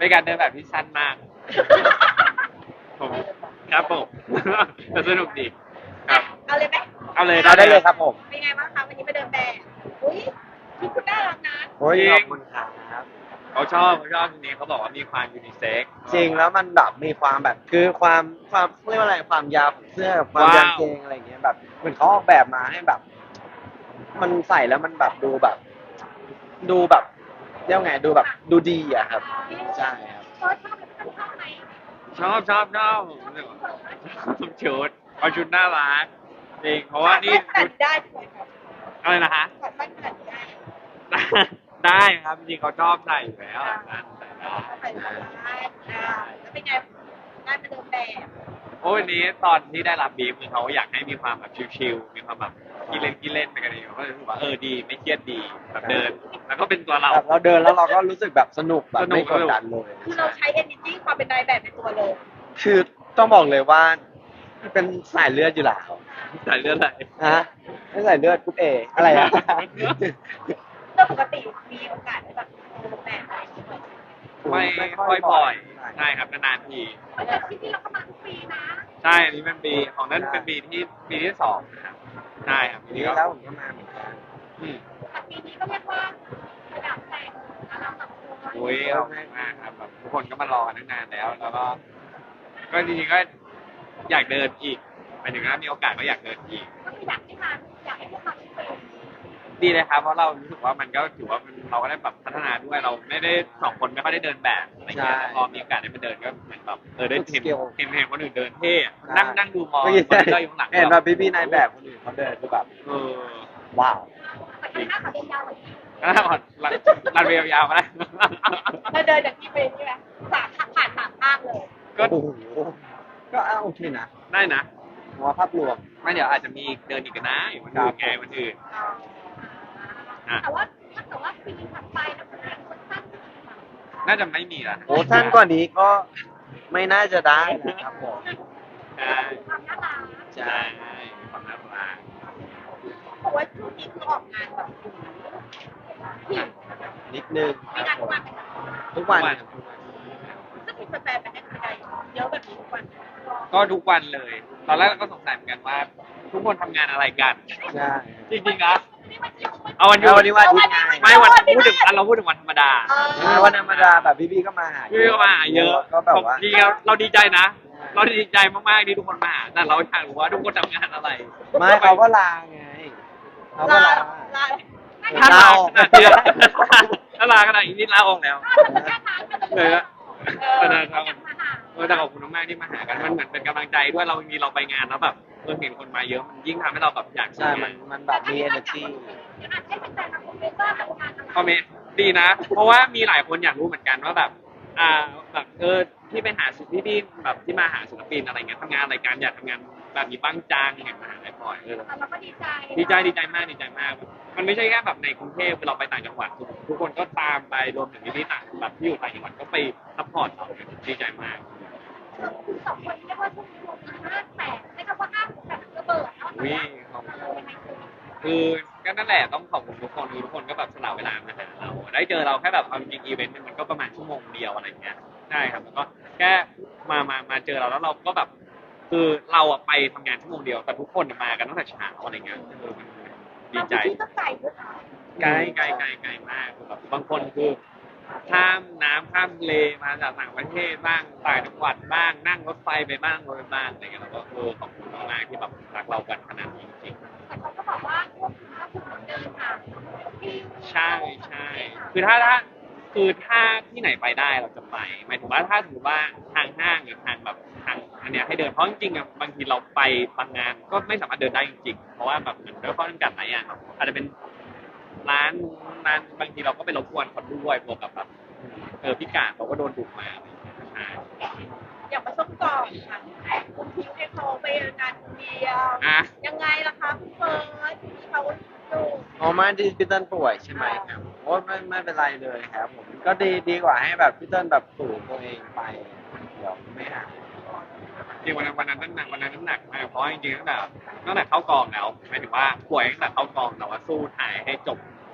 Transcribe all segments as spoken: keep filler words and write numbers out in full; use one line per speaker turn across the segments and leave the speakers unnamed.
เป็นการเดินแบบที่สั้นมากผมครับผมแต่สนุกดีครับ
เอาเลยไหม
เอาเลย
เอาได้เลยครับผม
เป็นไงบ้างคะวันนี้มาเดินแบบอุ้ยชุดคุณน่ารักนะ
โอ้ยขอบคุณครับ
เขาชอบเขาชอบทีนี้เขาบอกว่ามีความยูนิเซ็กซ์
จริงแล้วมันแบบมีความแบบคือความความเรียกว่าอะไรความยาวของเสื้อกับความยาวกางเกงอะไรอย่างเงี้ยแบบเหมือนเขาออกแบบมาให้แบบ มันใส่แล้วมันแบบดูแบบ ดูแบบเรียกว่าไงดูแบบดูดีอะครับใช่ครับ
เฟิร์สชอบเป็นชอบไหม
ชอบชอบชอบผมรู้สึกว่าชอบชุดเอาชุดน่ารักจริงเพราะว่านี่
ขนาดได้ใช่ไหมครับ
อะไรนะฮะ
ขอดขนาดได้
ได้ครับจริงเขาชอบใส่อยู่แล้วนั่นใส่ได้
ใส่ได้อ่าแล้วเป็นไงได้มาเดินแบบ
โอ้วันนี้ตอนที่ได้รับบีฟคือเขาอยากให้มีความแบบชิลๆมีความแบบกินเล่นกินเล่นไปกันเองก็เลยรู้สึกว่าเออดีไม่เครียดดีแบบเดิน แล้วก็เป็นตัวเรา
แบบเราเดินแล้วเราก็รู้สึกแบบสนุกแบบ
สนุก
ไม่กดดันเลย
คือเราใช้ energy ความเป็นนายแบบในตัวเลย
คือต้องบอกเลยว่าเป็นสายเลือดอยู่แล้ว
ใส่เลือดไหล
ฮะไม่สายเลือดกรุ๊ปเออะไรอะ
เรื่องปกติมีโอกาสได้แบบเดินแบบอะไรอย่างเงี้ย
ไม่ค่อยบ่อยใช่ครับนานๆที
เพราะฉะนั้นที่นี่เราก็มาทุกปีนะ
ใช่อันนี้เป็นปีของนั้นเป็นปีที่ปีที่สองนะครับใช่ครับปี
นี่
นี้ก็
แล้วผมก็มาเหมือนกัน
อืม
แต่ปีนี้ก็เรียกว่าระดับแต่งระดับสังคม
โอ้ยขอบคุณมากครับแบบทุกคนก็มารอกันตั้งนานแล้ว แล้วก็ ก็จริงๆก็อยากเดินอีกหมายถึงว่ามีโอกาสก็อยากเดินอีก
ก็คืออยากให้มาอยากให้พวกเราทุกคน
ดีเลยครับเพราะเรารู้สึกว่ามันก็ถือว่ามันเราก็ได้แบบพัฒนาด้วยเราไม่ได้สองคนไม่ค่อยได้เดินแบบอะไรเงี้ยแต่พอมีโอกาสได้ไปเดินก็เหมือนแบบเออได้เห็นเห็นเห็นคนอื่นเดินเท่อะนั่งนั่งดูมอง
เมื่อ
ค
กี้
นที่เราอยู่ข้างหลัง
เห็นว่าพี่พี่ๆนายแบบคนอื่นเขาเดินคือแบบ
เออ
ว้าว
แต่ก็น่าขอเดินยาวกว่านี้
ก็ถ้าผ่อนรันรันเวลยาวมาได้
เราเดินจากที่เป็นใช่ไหมสามผ่านสามภาคเลย
ก็
โอ้โหก็เอาโอเคนะ
ได้นะ
ผมว่าภาพรวม
ไม่เดี๋ยวอาจจะมีเดินอีกนะอยู่วันอื่นไงวันอื่น อ่ะ
แต่ว่าถ้าเกิดว่าปีถัดไปแล้วมันเป็นคนสั้นขึ้นมา
น่าจะไม่มีละ
โอ้สั้นกว่านี้ก็ไม่น่าจะได้นะครับผม
ใช่
ความน่ารัก
ใช่มีความน่ารัก
เพราะว่าช่วงนี้คือออกงานแบบผิว
นิดนึง
ไม่งานทุกวัน
ทุกวัน
ซึ่งมีแฟนๆไปให้กำลังใจเยอะแบบนี้ทุกวัน
ก็ทุกวันเลย ตอนแรกเราก็สงสัยเหมือนกันว่า ทุกคนทำงานอะไรกัน
ใช่
จริงๆนะเอาวันหยุ
เอา
ด
วันนี้วันอาทิตย์ไง
ไม่วันพูดถึงอันเราพูดถึงวันธรรมดา
เออวันธรรมดาแบบพี่ๆก็มาหา
พี่ก็มาหาเยอะ
ก็แบบว่า
จริงๆเราเราดีใจนะ เราดีใจมากๆที่ทุกคนมาหาแต่เราอยากรู้ว่าทุกคนทำงานอะไร
ไม่เขาก็ลาไงเขาก็ลา
ลา
ถ้าลา
ลาออก
ขนาดนี้ถ้าลาขนาดนี้นี่ลาออกแล้ว เลยอะ
เออ
เออครับเออแต่ขอบคุณมากๆที่มาหากันมันเหมือนเป็นกำลังใจด้วยเรามีเราไปงานแล้วแบบเออเห็นคนมาเยอะมันยิ่งทำให้เราแบบอยาก
ใช่
ทำ
มันมันแบบมี energy
เดี๋ยวอาจจะให้แฟนๆมาคอมเมนต์ว่าทำงานอะไร
คอมเมนต์ดีนะ เพราะว่ามีหลายคนอยากรู้เหมือนกันว่าแบบ อ่าแบบเออที่ไปหาศิลปินที่แบบที่มาหาศิลปินอะไรเงี้ยทำงานอะไรกันอยากทำงานแบบนี้บ้างจังเห็นมาหาได้บ่อยเออ
เราก็ดีใจ
ดีใจดีใจมากดีใจมาก มันไม่ใช่แค่แบบในกรุงเทพเราไปต่างจังหวัดทุกคนก็ตามไปรวมถึงที่ต่างแบบที่อยู่ต่างจังหวัดก็ไปซัพพอร์ตเราดีใจมาก
คือสองคนเรียกว่าช่วงนี้รวมกันห้าแสนใช้คำว่าห้าแสนระเบิดเนาะ
วิ่งของคือก็นั่นแหละต้องขอบคุณทุกคนทุกคนก็แบบสละเวลามาหาเราได้เจอเราแค่แบบเอาจริงอีเวนต์นึงมันก็ประมาณชั่วโมงเดียวอะไรเงี้ยใช่ครับแล้วก็แค่มามามาเจอเราแล้วเราก็แบบ คือเราอะไปทำงานชั่วโมงเดียวแต่ทุกคนมากันตั้งแต่เช้าอะไรเงี้ยเออมันดีใจ
ที่ต้องไก่ด้วยนะ
ไกลไกลไกลไกลมากคือแบบบางคนคือข้ามน้ำข้ามทะเลมาจากต่างประเทศบ้างต่างจังหวัดบ้างนั่งรถไฟไปบ้างรถไฟบ้างอะไรเงี้ยเราก็เออขอบคุณมากๆที่แบบรักเรากันขนาดนี้จริง
แต่เขาก็บอกว่าพวกคุณก็คือเดินทางที่
ๆใช่ใช่คือถ้าถ้าคือถ้าที่ไหนไปได้เราจะไปหมายถึงว่าถ้าสมมติว่าทางห้างหรือทางแบบทางอันเนี้ยให้เดินเพราะจริงๆอะบางทีเราไปบางงานก็ไม่สามารถเดินได้จริงๆเพราะว่าแบบเหมือนด้วยข้อจำกัดหลายอย่างอาจจะเป็นร้านร้านบางทีเราก็ไปรบกวนคนด้วยบวกกับแบบเออพิการเขาก็โดนดุมาอะไรอย่างเงี้ยใช่
อยากมาส้มกล่องค่ะคุณพิวให้เขาไปงานคนเดียว
อ่ะ
ยังไงล่ะคะคุณเฟิร์สที่เขาดู
อ๋อไมาที่พี่เติ้ลป่วยใช่ไหมครับโอ้ไม่ไม่เป็นไรเลยครับผมก็ดีดีกว่าให้แบบพี่เติ้ลแบบฝืนตัวเองไปเดี๋ยวไม่หาย
จริงวันนั้นวันนั้นน้ำหนักวันนั้นน้ำหนักมากเพราะจริงๆตั้งแต่ตั้งแต่เข้ากองแล้วหมายถึงว่าป่วยตั้งแต่เข้ากองแต่ว่าสู้ถ่ายให้จบพอ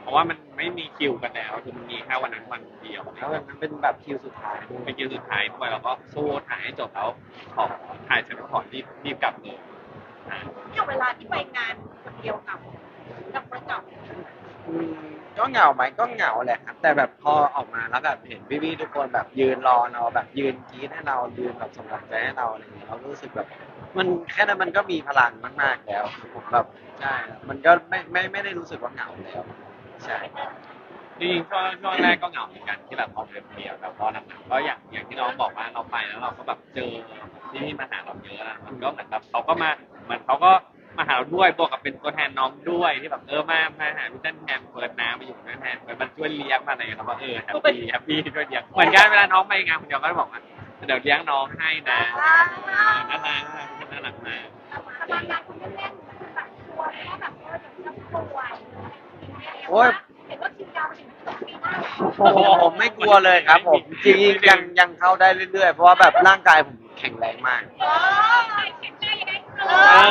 ราะว่ามันไม่มีคิวกันแล้วคือมันมีแค่วันนั้นวันเดียว
แล้วมันเป็นแบบคิวสุดท้ายด้วย
เป็นคิวสุดท้ายด้วยเราก็สู้ถ่ายให้จบแล้วขอถ่ายเสร็จแล้วขอรีบรีบกลับเลยอ่า
อย่างเวลาที่ไปงานคนเดียวกับกับคนเก่า
อืมก็เหงาไหมก็เหงาแหละครับ แต่แบบพอออกมาแล้วแบบเห็นพี่ๆทุกคนแบบยืนรอเราแบบยืนกรี๊ดให้เรายืนแบบส่งกำลังใจให้เราอะไรอย่างเงี้ยเรารู้สึกแบบ มันแค่นั้นมันก็มีพลังมากๆแล้วผมแบบใช่ครับมันก็ไม่ไม่ไม่ได้รู้สึกว่าเหงาแล้วใช่
จริงๆช่วงช่วงแรกก็เหงาเหมือนกันที่แบบพอเดินเดียวแต่พอหลังๆก็อย่างอย่างที่น้องบอกว่าเราไปแล้วเราก็แบบเจอที่ที่มาหาเราเยอะนะมันก็เหมือนแบบเขาก็มาเหมือนเขาก็มาหาเราด้วยบวกกับเป็นตัวแทนน้องด้วยที่แบบเออมามาหาพี่เต้นแทนเปิดน้ำมาอยู่ด้วยแทนเปิดมันช่วยเลี้ยงมาอะไรอย่างเงี้ยเราก็เออแฮปปี้แฮปปี้ช่วยเลี้ยงเหมือนกันเวลาน้องไปงานคนเดียวก็จะบอกว่าเดี๋ยวเลี้ยงน้องให้นะเออน่ารักน่ารักมาก
สบายงานคุณเล่นๆแบบกลัวว่าแบบเออเดี๋ยวจะป่วย
โอ้ย
เห็นว่าคิวยาวถึงสองปีหน้า
โอ้โหผมไม่กลัวเลยครับผมจริงๆยังยังเข้าได้เรื่อยๆ เพราะว่าแบบร่างกายผมแข็งแรงมาก
เออแข็งแรงยังไงเอ
อ่า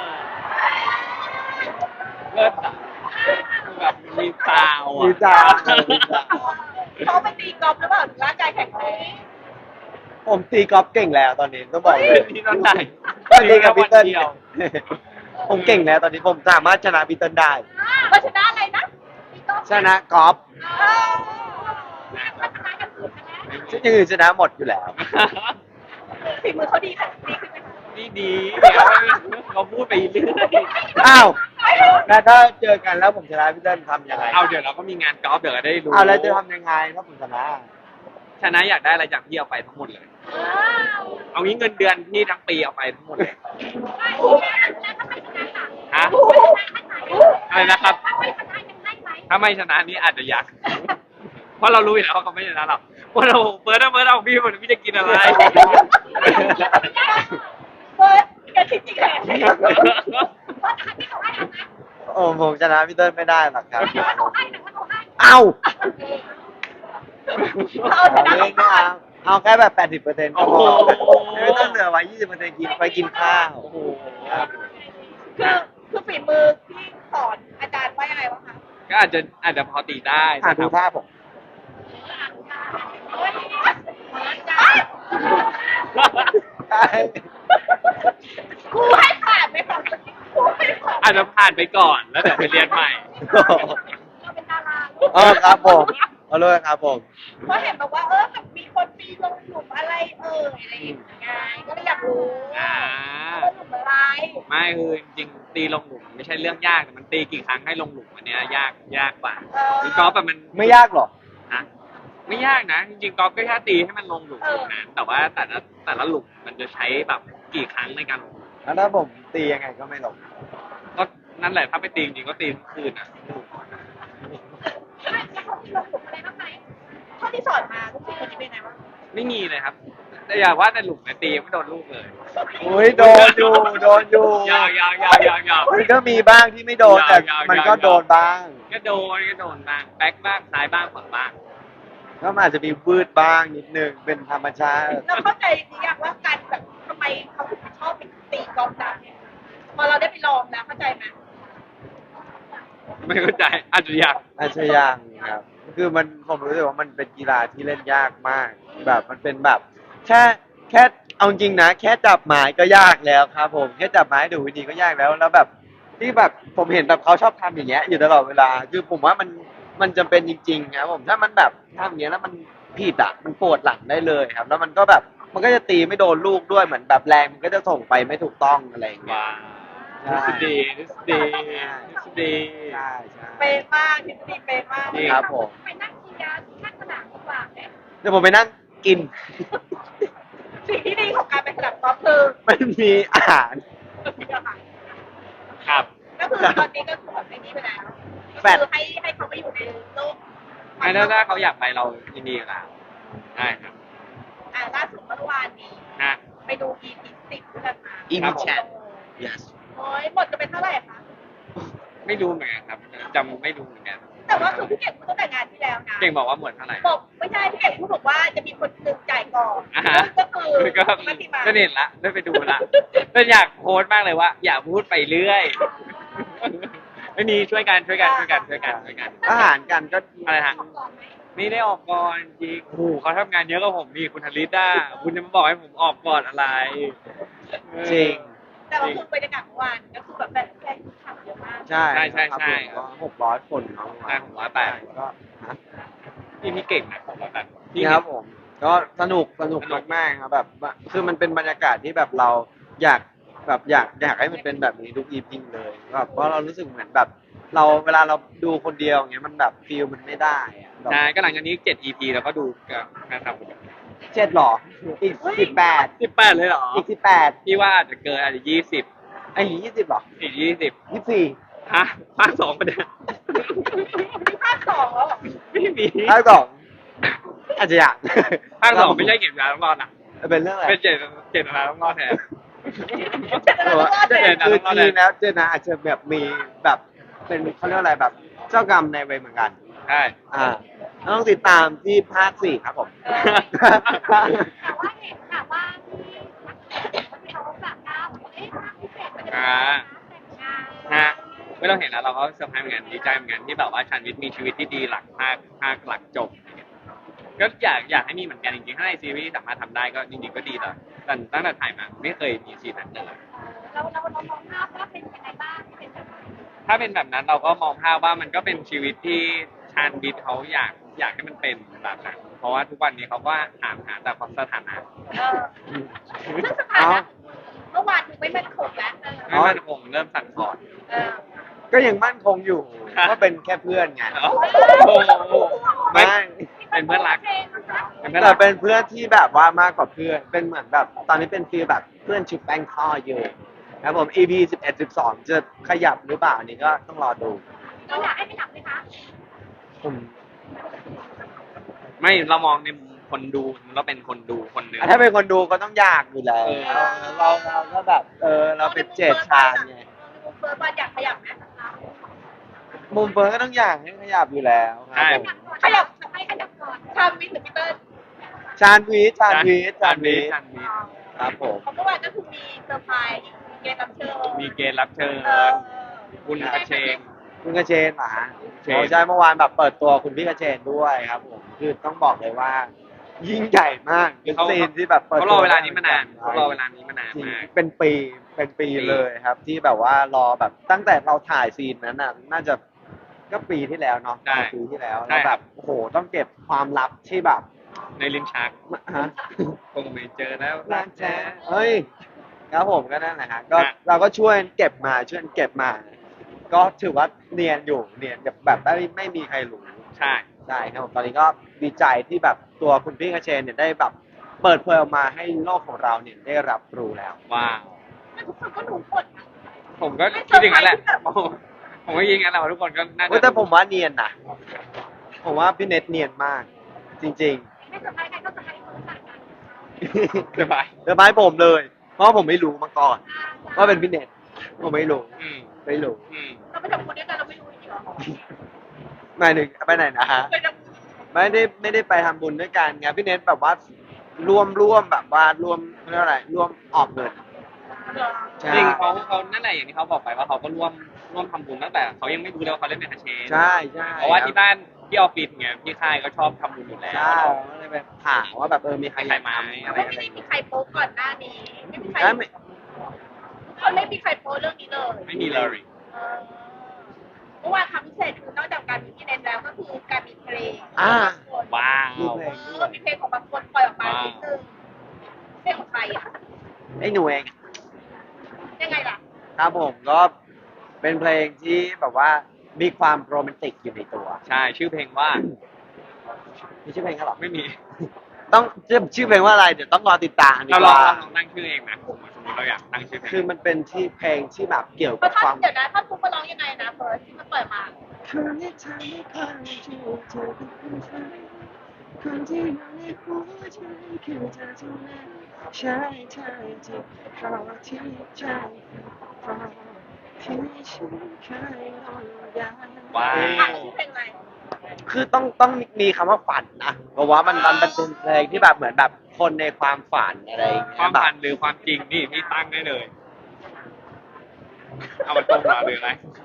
อ
เลิศอะแบบมีซาวอะ
มีซาวมีซาว
เขาไปตีกอล์ฟหรือเปล่าถึงร่างกายแข็งแรง
ผมตีกอล์ฟเก่งแล้วตอนนี้ต้องบอกเลย
เป็นที่นั่นไหน
ตีกับพีเติ้ล
เดียว
ผมเก่งแล้วตอนนี้ผมสามารถชนะพีเติ้ลได้
เราชนะอะไรนะตีกอล์ฟ
ชนะกอล์ฟ
เออพัฒนากันอื่นชนะ
อย่างอื่นชนะหมดอยู่แล้ว
ฝีมือเขาดีค่ะดีขึ้นไหมคะ
นี่ดีเดี๋ยวเราพูดไปเรื่อย
อ้าวแล้วถ้าเจอกันแล้วผมชนะพีเติ้ลทำยังไง
เอาเดี๋ยวเราก็มีงานกอล์ฟเดี๋ยวก็ได้รู้
เอาแล้วจะทำยังไงถ้าผมชนะ
ชนะอยากได้อะไรจากพี่เอาไปทั้งหมดเลย
ว้าว
เอางี้เงินเดือนพี่ทั้งปีเอาไปทั้งหมดเลย
แล้วถ้าไม่ชนะล่ะ
ฮะ อะไรนะครับ
ถ้าไม่ชนะยังได้ไหม
ถ้าไม่ชนะนี่อาจจะอยาก เพราะเรารู้อยู่แล้วว่าเขาไม่ชนะหรอกว่าเราเปิดเอาเปิดเอาพี่หมดพี่จะกินอะไร
เฟิร์สแกคิดจริงเหรอเฟิร์สอันที่เขาให้เอาไหม
โอ้ผมชนะพีเติ้ลไม่ได้หรอกครับ
ถ้าเขาให้นะถ้าเขาให้
เอ้า
เอาช
เอา
นะ
เล่นไม่เอาเอาแค่แบบแปดสิบเปอร์เซ็นต์ก็พอ
โอ้โห
ไม่ต้องเหลือไว้ยี่สิบเปอร์เซ็นต์กินไปกินข้าว
โอ้โห
คือคือฝีมือที่สอนอาจารย์ว่ายังไงวะคะ
ก็อาจจะอาจจะพอตีได้
อ่ะดูท่าผม ใช่
ครูให้ผ่านไหมคะครูให้ผ่าน
อาจจะผ่านไปก่อนแล้วเดี๋ยวไปเรียนใหม่
เราเป็นดารา
เออครับผมเอาเลยครับผม
เพราะเห็นแบบว่าเออแบบมีคนปีลงหลุมอะไรเอออะไรอย่างเงี้ยก็เลยอยากรู้
อ่า
ว่าหลุมอะไร
ไม่คือจริงๆตีลงหลุมไม่ใช่เรื่องยากแต่มันตีกี่ครั้งให้ลงหลุมอันเนี้ยยากยากกว่า
เออ
คือกอล์ฟแบบมัน
ไม่ยากหรอก
นะไม่ยากนะ จริงๆกอล์ฟก็แค่ตีให้มันลงหลุมเท่านั้นแต่ว่าแต่ละแต่ละหลุมมันจะใช้แบบกี่ครั้งในการลงหลุม
แล้วถ้าผมตียังไงก็ไม่ลง
ก็นั่นแหละถ้าไปตีจริงๆก็ตีทั้งคืนอ่ะ
แล้วเขามีลงหลุมอะไรบ้างไหมเท่าที่สอนมาลูกศิษย์คนนี้เป็นไงบ้าง
ไม่มีเลยครับ แต่อย่าว่าแต่หลุมเนี่ยตียังไม่โดนลูกเลย
อุ้ยโดนอยู่โดนอยู่
ยาวยาวยาวยาวยาว
มันก็มีบ้างที่ไม่โดนแต่
ยาวๆ
มันก็โดนบ้าง
ก็โดนก็โดนบ้างแบ็คบ้างซ้ายบ้างขวาบ้าง
ก็มันอาจจะมีวืดบ้างนิดนึงเป็นธรรมชาติ
เราเข้าใจหรือยังว่าการแบบทำไมเขาถึงชอบไปตีกอล์ฟดำเนี่ยพอเราได้ไปลองแล้วเข้าใจไหม
ไม่เข้าใจอาจจะอยาก
อาชญางครับ คือมันผมรู้สึกว่ามันเป็นกีฬาที่เล่นยากมาก แบบมันเป็นแบบ แค่แค่เอาจริงนะ แค่จับไม้ก็ยากแล้วครับ ผมแค่จับไม้ดูวิธีก็ยากแล้วแล้วแบบ ที่แบบผมเห็นแบบเขาชอบทำอย่างเงี้ยอยู่ตลอดเวลา คือผมว่ามันมันจำเป็นจริงๆครับผมถ้ามันแบบทำอย่างเงี้ยแล้วมันผิดอ่ะมันปวดหลังได้เลยครับ แล้วมันก็แบบมันก็จะตีไม่โดนลูกด้วยเหมือนแบบแรงมันก็จะส่งไปไม่ถูกต้องอะไรอย่างเงี้ย
ว้า
ใช่
ทฤษฎีทฤษฎีทฤษฎี
ใช่ใช่
เป็นมากทฤษฎีเป็นมาก
จริง
ครับผม
ไปนั่งเชียร์ที่ข้างสนามดีกว่าเนี่ย
เดี๋ยวผมไปนั่งกิน
สิ่งที่ดีของการไปสนามกอล์ฟคือ
มันมีอาหาร
มีอาหาร
ครับ
ก็คือตอนนี้ก็คือแบบไอ้นี่ไปแล้ว
แฟ
ก็
ด
คือให้ให้เขาไปอยู่ในโลก
ไม่ถ้าถ้าเขาอยากไปเรายินดีกับเขาได้ครับ
อ่าล่าสุดเมื่อวานนี้
ฮะ
ไปดู อี พี สิบด้วยกันมา
อี
ครั
พี
บผม
แชท yes
โอ้ยหมดจะเป็นเท่าไหร่คะ
ไม่รู้เหมือนกันครับจำไม่รู้เหมือนกัน
แต่ว่าคือพี่เก่งพูดตั้งแต่งานที่แล้วนะ
เก่งบอกว่าหมดเท่าไหร่
บอกไม่ใช่พี่เก่งพูดบอกว่าจะมีคนหนึ่งจ่ายก่อน
อ่าฮะ
ก็คือ
ก็
มัติมา
ก็เห็นละได้ไปดูละเป็นอยากโพสต์มากเลยว่า อย่าพูดไปเรื่อยไม่มีช่วยกันช่วยกันช่วยกันช่วยกันช่วยกัน
อาหารกันก็
อะไรฮะ ไม่ได้ออกก่อนจริงโอ้โหเขาทำงานเยอะกว่าผมนี่คุณธลิตอ่ะคุณจะมาบอกให้ผมออกก่อนอะไรเออ
จริง
แต่ว่าคือบรรยากาศเมื่อวานก็คือแบบแบบแฟนคลับเยอะมาก
ใช่
ใช่ใช่
ครับ
ใช่
ผมก็หกร้อยคนเนาะ
ใช่ผมว่าแปด
ก็ฮะ
พี่พี่เก่งนะผมว่าแบบพี่
นี่ครับผม ก็สนุกสนุก
สนุก
มากๆครับแบบว่าคือมันเป็นบรรยากาศที่แบบเราอยากแบบอยากอยากให้มันเป็นแบบนี้ทุก อี พี เลยแบบเพราะเรารู้สึกเหมือนแบบ เราเวลาเราดูคนเดียวอย่างเงี้ยมันแบบฟีลมันไม่ได้อะแบบ
ใช่ก็หลังจากนี้เจ็ด อี พี แล้วก็ดูกันนะครับ
เจ็ดหรออีกสิบแปด
สิบแปดเลยเหรอ
อีกสิบแปด
พี่ว่าอาจจะเกินอาจจะยี่สิบ
ไอ้ยี่สิบหรอ
อีกยี่สิบ
ยี่สิบสี่
ฮะภาคสองประเด็น
มีภาคสองแล้วเหรอ
ไม่มี
ภาคสองอาจจะอยาก
ภาคสองไม่ใช่เก็บยาต้องรอดอ่ะ
เป็นเรื่องอะไร
เป็นเจ็ดเจ็ดนาต้องรอดแทน
เจ็ดแล้วก็
คือ
เจ็ด
จริงๆแล้วเจนนะอาจจะแบบมีแบบเป็นเขาเรียกว่าอะไรแบบ เจ้ากรรมในายเวรเหมือนกัน
ใช่
อ่าต้องติดตามที่ภาคสี่ครับผม
แต่ว่าเห็นแบบว่าที่นักแสดงเขาแบบว่าเอ๊ะภาคพิเศษมันจะเป็น
อ่า
แต่งงาน
ฮะไม่ต้องเห็นแล้วเราก็เซอร์ไพรส์เหมือนกันดีใจเหมือนกันที่แบบว่าชันวิทย์มีชีวิตที่ดีหลังภาคภาคหลังจบก็อยากอยากให้มีเหมือนกันจริงๆถ้าในซีรีส์สามารถทำได้ก็จริงๆก็ดีแต่แต่ตั้งแต่ถ่ายมาไม่เคยมีซีนนั้นเลย
เราเราเรามองภาพว่าเป็นยังไงบ้างเป็นแบบ
ถ้าเป็นแบบนั้นเราก็มองภาพว่ามันก็เป็นชีวิตที่ชาญวิทย์เขาอยากอยากให้มันเป็นแบบนั้นเพราะว่าทุกวันนี้เขาก็ถามหาแต่ความสถานะ
เออซึ่งสถานะเมื่อวานคือไม่มั่นคงแล้ว
ไม่มันคงเริ่มสั่นคลอน
เออ
ก็ยังมั่นคงอยู่ว่าเป็นแค่เพื่อนไง
โอ้โหไม่
ไม่
เป็นเพื่อนรัก
เพลงนะคะ
เป็นเพื่อน
แต่
รัก
เป็นเพื่อนที่แบบว่ามากกว่าเพื่อน เป็นเหมือนแบบ ตอนนี้เป็นฟีลแบบเพื่อนชุดแป้งทอดอยู่ครับผม อี พี สิบเอ็ด สิบสองจะขยับหรือเปล่าอันนี้ก็ต้องรอดู
เราอยากให้ไปหลับไหมคะ
ผม
ไม่เรามองในมุมคนดูเราเป็นคนดูคนหนึ่ง
อ่ะถ้าเป็นคนดูก็ต้องอยากอยู่แล้ว
เออ
เราเราก็แบบ เออ เราเป็นเจดชาญไง
มุมเฟิร์สบอลอยากขยับไหม
มุมเฟิร์นก็ต้องอยากให้ขยับอยู่แล้วครับผม
ขยับ
ให้ขยับก่อน
ชามวิทย์หรือพีเตอร์
ชาญวีทชาญวีทชาญวีท
ชาญวิทย์
ครับผม
เพราะเมื่อวานก็คือมีเซอร์ไพรส์มีเกมรับเชิญ
มีเกณฑ์รับเชิญ
เออ
คุณกระเชง
คุณกระเชนเหรอฮะ
เชน
โอ้ใช่เมื่อวานแบบเปิดตัวคุณพี่กระเชนด้วยครับผมคือต้องบอกเลยว่า ยิ่งใหญ่มากเป็นซีนที่แบบเปิด
เขา
ตัว
รอเวลานี้มานานเขารอเวลานี้มานาน
จริง
มาก
เป็นปีเป็นปีเลยครับ ที่แบบว่ารอแบบตั้งแต่เราถ่ายซีนนั้นน่ะน่าจะก็ปีที่แล้วเนาะ
ใช่
ปีที่แล้ว
ใช่
แล้วแบบโอ้โหต้องเก็บความลับที่แบบ
ในลิ้นชัก
ฮะ
คงไม่เจอแล้ว
รักแท้เฮ้ยครับผมก็นั่นแหละฮะก็
ฮะ
เราก็ช่วยเก็บมาช่วยเก็บมา ก็ถือว่าเนียนอยู่เนียนแบบแบบไม่ไม่มีใครรู้
ใช่
ใช่ครับผมตอนนี้ก็ดีใจที่แบบตัวคุณพี่กระเชนเนี่ยได้แบบเปิดเผยออกมาให้โลกของเราเนี่ยได้รับรู้แล้ว
ว้าว
แต่ทุกคนก็รู้หมดนะ
ผมก็คิดอย่างนั้นแหละผมก็ยิงงั้นแหละว่าทุกคนก็น่า
เว้ย
จะ
แต่ผมว่าเนียนนะผมว่าพี่เน็ตเนียนมาก จริง
ไม่สบายใครก็สบายคนต่างกัน
ๆ
สบาย
เดี๋ยวไม้ผมเลย เพราะว่าผมไม่รู้มาก่อนว่าเป็นพี่เน็ตผมไม่รู้
อืม
ไม่รู้
อืม
เราไปทำบุญด้วยกันเราไม่รู้จริงเหรอ
หมายถึงไปไหนนะฮะ
เคยทำบุญ
ไม่ได้ไม่ได้ไปทำบุญด้วยกันไงพี่เน็ตแบบว่าร่วมร่วมแบบว่าร่วมเรียกว่าอะไรร่วมออกเงิน
เหรอ
ใช่
จริงเขาเขานั่นแหละอย่างที่เขาบอกไปว่าเขาก็ร่วมร่วมทำบุญตั้งแต่เขายังไม่รู้เลยว่าเขาเล่นเป็นคาเชน
ใช่ใช่
เพราะว่าที่บ้านที่ออฟฟิศเงี้ยพี่ค่ายก็ชอบทำบุญอยู่แล้ว
ใช่ก็เลยไปถามว่าแบบเออมีใคร
ใครไหม
อยากทำ
อะไร
ไม่
อะไร
ได้มีใครโป๊ก่อนหน้านี้ ไม่มีใคร
ใช่ไม่
เขาไม่มีใครโป๊เรื่องนี้เลย
ไม่มีเลย
เออเมื่อวานคำพิเศษคือนอกจากการมีที่เน้นแล้วก็คือการมีเพลง
อ่า
ว้า
มี
ว
เพลง
เอ
ด้
อ
วย
มีเพลงของบางคนปล่อยออกมานิดนึงเพลงของใครอ่ะ
ไอ้หนูเอง
ยังไงล่ะ
ครับผมก็เป็นเพลงที่แบบว่ามีความโรแมนติกอยู่ในตัว
ใช่ชื่อเพลงว่า
มีชื่อเพลงเขาเหรอ
ไม่มี
ต้องชื่อชื่อเพลงว่าอะไรเดี๋ยวต้องรอติดตามดี
เรา
ก
ลอง
ว่า
ลองตั้งชื่อเองนะผมสมมติเราอยากตั้งชื่อเพลง
คือมันเป็นที่เพลงที่แบบเกี่ยว
เพ
กับ
ราะท่
ค
อ
วาน ม
เดี๋ยวนะท่อนทุกมาร้องยังไงนะเฟิร์สที่มันปล่อยมา
คนที่ทำให้ความจริงเธอเป็นคนไทยคนที่อยู่ในหัวใจคือเธอเท่านั้นใช่ใช่ที่เพราะที่ใจเพราะที่ฉันเคยรออย่าง
ว้า
อ่ะ
ว
ชื่อเพลงอะไร
คือต้องต้องมีคำว่าฝันนะเพราะว่ามันมันเป็นเพลงที่แบบเหมือนแบบคนในความฝันอะไรอย่าง
ค
เงี้
วาย ม
แบบ
ฝันหรือความจริงนี่พี่ตั้งได้เลย เอามาตรงมาหรืออะไร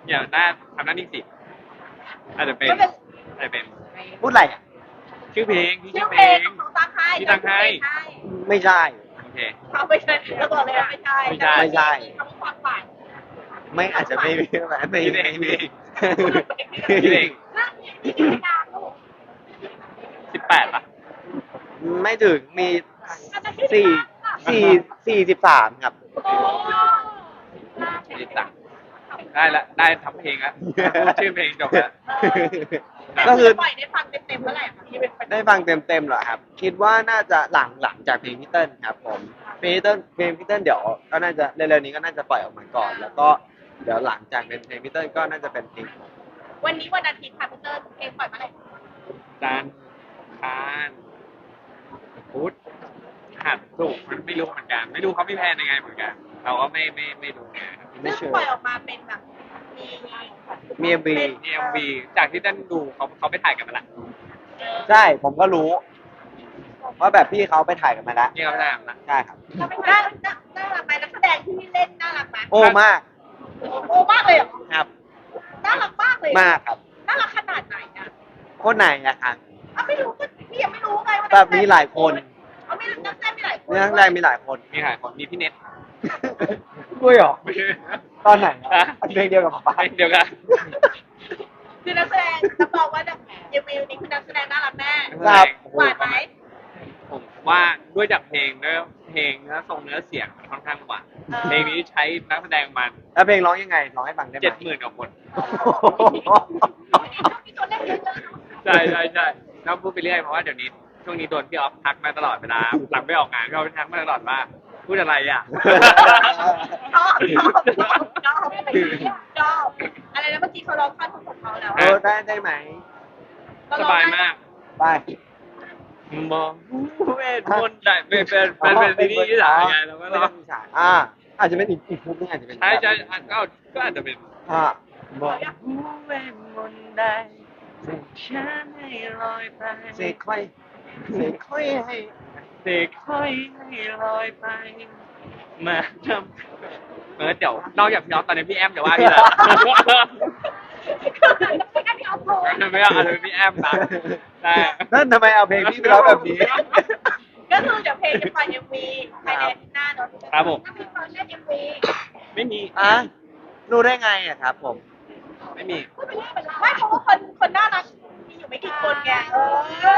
อย่าหน้าทำหน้านิ่งสิอาจจะเป็น
ก็เป็น
อาจจะเป็น
พูดอะไรอ่ะ
ชื่อเพลงที่
ชื่
ชื่
อ
อ
เพ
เพ
ล
ล
ง
ง
ของตั้งให้
ที่ตั้งให้
ไม่ใช่
โอเค
เขาไม่ใช่เราบอกเลยว่าไม่ใช่
ไม่ใช่
ไม่ใช่
คำความฝัน
ไม่อาจจะไม่ไม่ไม่ไม่
พี่เองพี่เอง
ไม่
พี่เอง
นี่คือดาวลูก
สิบแปดป่ะ
ไม่ถึงมีสี่สี่สี่สิบสามครับ
โอ้
นี่ตังได้ละได้ทำเพลงแล้วพูดชื่อเพลงจบแล้ว
ก็คือ
ปล่อยได้ฟังเต็มๆเมื่อไหร่คะที่เป็น
ได้ฟังเต็มๆเหรอครับ คิดว่าน่าจะหลังหลังจากเพลงพี่เติ้ลครับผมเพลงพี่เติ้ลเพลงพี่เติ้ลเดี๋ยวก็น่าจะเร็วๆนี้ก็น่าจะปล่อยออกมาก่อน แล้วก็เดี๋ยวหลังจากเป็นเพลงพี่เติ้ลก็น่าจะเป็นเพลงผม
วันนี้วันอาทิตย์ค่ะพี่เตอร์เพลงปล่อยเมื่อไหร่
จันทร์คานพุธหัดสุกร์มันไม่รู้เหมือนกัน ไม่รู้เขาไม่แพลนยังไงเหมือนกัน เราก็ไม่ไม่ไม่รู้ไงครับ
ไม่
ซึ่ง
เชื่อ
ปล่อยออกมาเป็นแบบมี
มีเอ็มวี
มีเอ็มวีจากที่ท่านดูเขาเขาไปถ่ายกันมาละ
ใช่ผมก็รู้ว่าแบบพี่เขาไปถ่ายกันมาแล้ว
นี่เขาไปถ่ายกันมาละ
ใช่ครับ
น่าน่าน่ารักไหมนักแสดงที่เล่นน่ารักไหม
โอ้มาก
โอ้มากเลยเหรอ
ครับ
น่ารักมากเลย
มากครับ
น่ารักขนาดไหนอ่ะ
คนไหนอะครับ
อ่ะไม่รู้ก็พี่ยังไม่รู้ไงว่า
แบบมีหลายคน
เขาไม่นักแสดงมีหลายคน
เรื่องแรกมีหลายคน
มีหลายคนมีพี่เน็ต
ด้วยเหรอ
ไม่ใช่
ตอนไหน
ฮะ
เพลงเดียวกับป๊า
เพลงเดียวกัน
คือนักแสดงรับรองว่าเยวิวนี่คือนักแสดงน่ารักแน่
ครับ
หวานไหม
ผมว่าด้วยจากเพลงเนื้อเพลงเนื้อทรงเนื้อเสียงมันค่อนข้างหวานเพลงนี้ใช้นักแสดงมัน
แล้วเพลงร้องยังไงร้องให้ฟังได้ไหม
เจ็ดหมื่นกว่าคน
มีตัวเลขเยอะๆ
ใช่ใช่ใช่แล้วพูดไปเรื่อยเพราะว่าเดี๋ยวนี้ช่วงนี้โดนพี่ออฟทักมาตลอดเวลาหลังไม่ออกงานพี่ออฟทักมาตลอดว่าพูดอะไรอ่ะ
ชอบชอบชอบชอบชอบอะไรนะเมื่อกี้เขาร้องท่อนของเขาแล้ว
เออได้ได้ไหม
สบายมาก
ไป
มองเวทมนต์ได้เป็นเป็นเป็นเป็นซีรีส์ที่สามไงแล้วก็
ไม่
ร้อ
ต้อง งมีฉากอ่า อาจจะเป็นอีกอีกมุกนึงอาจจะเป็น
ใช่ใช่อ่ะก็ก็อาจจะเป็น
อ่าบอก
เวทมนต์ได้ส่งฉันให้ลอยไป
เสกค่อยเสกค่อยให้
เสกค่อยให้ลอยไป มาทำเออเดี๋ยวนอกจากพี่ออฟตอนนี้พี่แอมจะว่าพี่แหละ
ไม่ได้พี่เอาโทร
ไม่เอาอาจจะเป็นพี่แอมนะแต่
นั่นทำไมเอาเพลงพี่ไปร้องแบบนี้
ก็คือเดี๋ยวเพลงจะปล่อยเอ็มวีภายในอาทิตย์หน้าเนอะ
ครับผม
ถ้ามีตอนเล่นเอ็มวี
ไม่มี
อ่ะรู้ได้ไงอ่ะครับผม
ไม่มี
พูดไปเรื่อยเป็นเรา
ไม่เพราะว่าคนคนน่ารักมีอยู่ไม่กี่คนไงเออ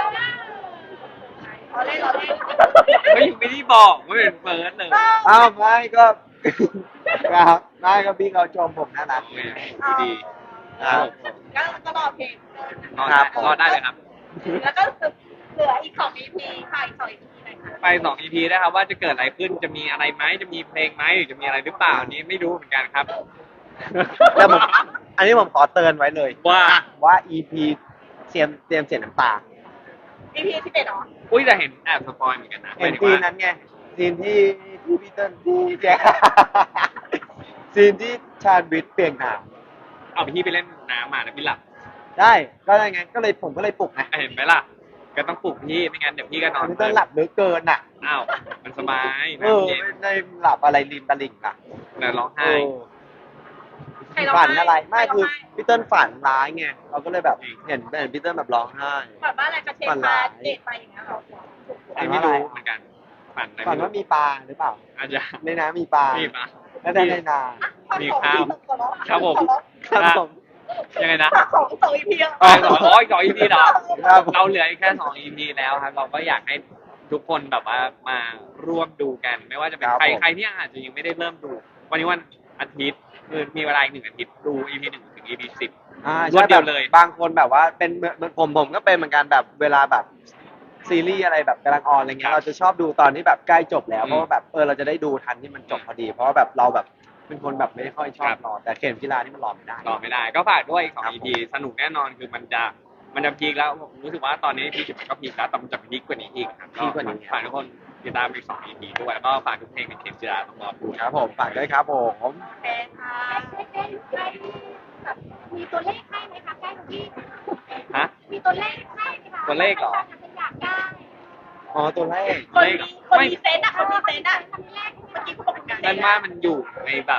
เราเล่นเราเล่น
ไม่ไม่ได้บอกว่าเป็นเฟิร์สเลย
อ้าวไม่ก็ ครับไม่ก็พี่เขาชมผมน่ารัก
โอ
ไง
เคดี
ครับ
ก็ก็รอเพลง
รอได้รอได้เลยครับ
แล้วก็เหลืออีกสอง อี พี ค่ะอีกสอง อี พี หน่อยค่ะ
ไปสอง อี พี นะครับว่าจะเกิดอะไรขึ้นจะมีอะไรไหมจะมีเพลงไหมหรือจะมีอะไรหรือเปล่าอันนี้ไม่รู้เหมือนกันครับ
แต่ผมอันนี้ผมขอเตือนไว้เลย
ว่า
ว่า อี พี เตรียมเตรียมเสียน้ำตา
อี พี สิบเอ็ดเหรอ
อุ้ยแต่เห็นแอบสปอยเหมือนกันนะ
เห็น
หมาย
ซี
ถึ
น
งว่า
นั้นไงซีนที่ที่พี่เติ้ลที่แจ๊ค ซีนที่ชาญวิทย์เปลี่ยนหนาม
เอาพี่ไปเล่นน้ำมาแล้วพี่หลับ
ได้ก็ได้ไงก็เลยผมก็เลยปลุกไง
เห็นไหมล่ะก็ต้องปลุกพี่ไม่งั้นเดี๋ยวพี่ก็นอน
พี่เติ้ลหลับเหลือเกินอ่ะ
อ้าวมันสบาย
เออ
น้ำเย็น
ไม่ได้หลับอะไรริมตลิ่งอ่ะ
แล้วร้อง
เอ
ไห้
อ
ใครร้อง
ฝัน
ไห้
อะไรไม่
ใครร้อง
คือ
ไห้
พี่เติ้ลฝันร้ายไงเราก็เลยแบบเห็นเห็นพี่เติ้ลแบบร้องไห้
แบบว่าอะไรกระเชน
ฝัน
พา
ร้าย
เดทไปอย่างเงี้ยเหรอ
อันนี้ไม่รู้เหมือนกันฝันอะไร
ฝัน
ไม่
ว่า
รู้
มีปลาหรือเปล่า
อาจจะ
ในน้ำมีปลา
มีปะ
แล้วได้ในนา
มีข้าวครับผม
ครับผม
ยังไงนะ
สองสอง อี พี
อ๋อสองอ๋ออีกสอง อี พี เหรอ
ครับ
เราเหลืออีกแค่สอง อี พี แล้วครับ เราก็อยากให้ทุกคนแบบว่ามาร่วมดูกัน ไม่ว่าจะเป็น
ครับ
ใคร
ผม
ใครที่อาจจะยังไม่ได้เริ่มดู วันนี้วันอาทิตย์คือมีเวลาอีกหนึ่งอาทิตย์ดู อี พี หนึ่งถึง อี พี สิบ
อ่าร
วด
ใช่
เดี
แบ
ยว
บ
เลย
บางคนแบบว่าเป็นเหมือนผมผมก็เป็นเหมือนกันแบบเวลาแบบซีรีส์อะไรแบบกำลังออนอะไรเงี้ยเราจะชอบดูตอนที่แบบใกล้จบแล้วเพราะว่าแบบเออเราจะได้ดูทันที่มันจบพอดี เพราะว่าแบบเราแบบเป็นคนแบบไม่ค่อยชอบรอแต่เข็มกีฬานี่มันรอไม่ได้
รอไม่ได้ ก็ฝากด้วยอีกสอง
ครับ
อี พี สนุกแน่นอนคือมันจะมันจะพีคแล้วผมรู้สึกว่าตอนนี้ อี พี สิบมันก็พีคแล้วแต่มันจะพีคกว่านี้อีกครับ
พีคกว่านี้
ฝากทุกคนติดตามอีกสอง อี พี ด้วยแล้วก็ฝากทุกเพลงในเข็มจีราต้องรอดู
ครับผมฝากด้วยครับผม
แพงค่ะ
ใกล้ใกล้แบบมีตัวเลขให้ไหมคะใกล้ตรงที่
ฮะ
มีตัวเลขให้ไหมคะ
ตัวเลขเหรอ
อยากได้
อ๋อตัวแรก
คนมีคนมีเซนต์อะคนมีเซนต์อะ
ทำเลข
เมื่อกี้พูดเหมือนกัน
นั่นว่ามันอยู่ในแบบ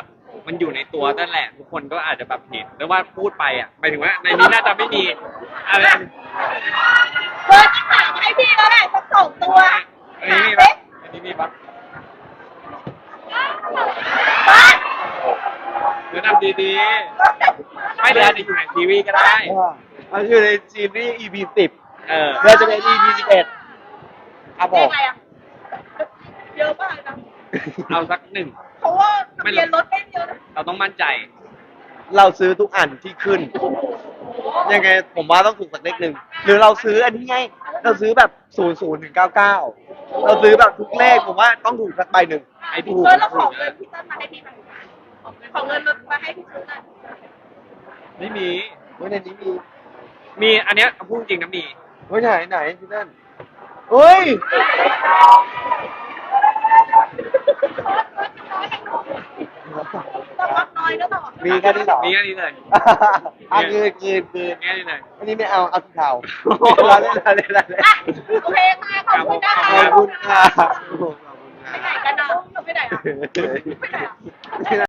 มันอยู่ในตัวนั่นแหละ ทุกคนก็อาจจะแบบเห็นหรือว่าพูดไปอ่ะหมายถึงว่าในนี้น่าจะไม่มีอะไร
เบอร์ที่หาให้พี่แล้วแหละสักสองตัว
อันนี้มี
หา
ปะ
สิ
อันนี้มีปะ
บ้าน
เดี๋ยวนำดีๆไม่เดี๋ยวอาจจะอยู่ในทีวีก็ได้
มันอยู่ในซีรีส์ อี พี สิบ
เออ
เดี๋ยวจะเป็น อี พี สิบเอ็ดครับผ
เรีย
ม
กอะไรอ่ะเยอะมากนะ
เอาสักหนึ่ง
เพราะว่าทะเบียนรถไม่เยอะนะ
เราต้องมั่นใจ
เราซื้อทุกอันที่ขึ้น ยังไงผมว่าต้องถูกสักเลขหนึ่งหรือเราซื้ออันนี้ไง เราซื้อแบบศูนย์ศูนย์ถึงเก้าเก้าเราซื้อแบบทุกเลขผมว่าต้องถูกสักใบหนึ่ง
ไอ้
เอ
ถูก
อเราขอเงินพี่เติ้ลมาให้พี่หน่อยขอเงินรถมาให้พี่ซื้อหน่อย
ไม่มี
เฮ้ยในนี้มี
มีอันเนี้ยเอาพูดจริงนะมี
เฮ้ยไหนไหนที่นั่นเฮ้ย
ต้องรับน้อยก็ต่อ
มีแค่นี้เหรอ
มีแค่นี้เลย
อ่ะคืนคืนคืน
มีแค่นี้เลย
อันนี้ไม่เอาเอาสีเทาเราเล่นเราเล่นเราเล่น
อ่ะโอเคค่ะขอบคุณนะคะ
ขอบคุณค่ะขอบคุณ
ไปไหน
ค่ะ
กันอ่ะเราไปไหนอ่ะไปไหนอ่ะ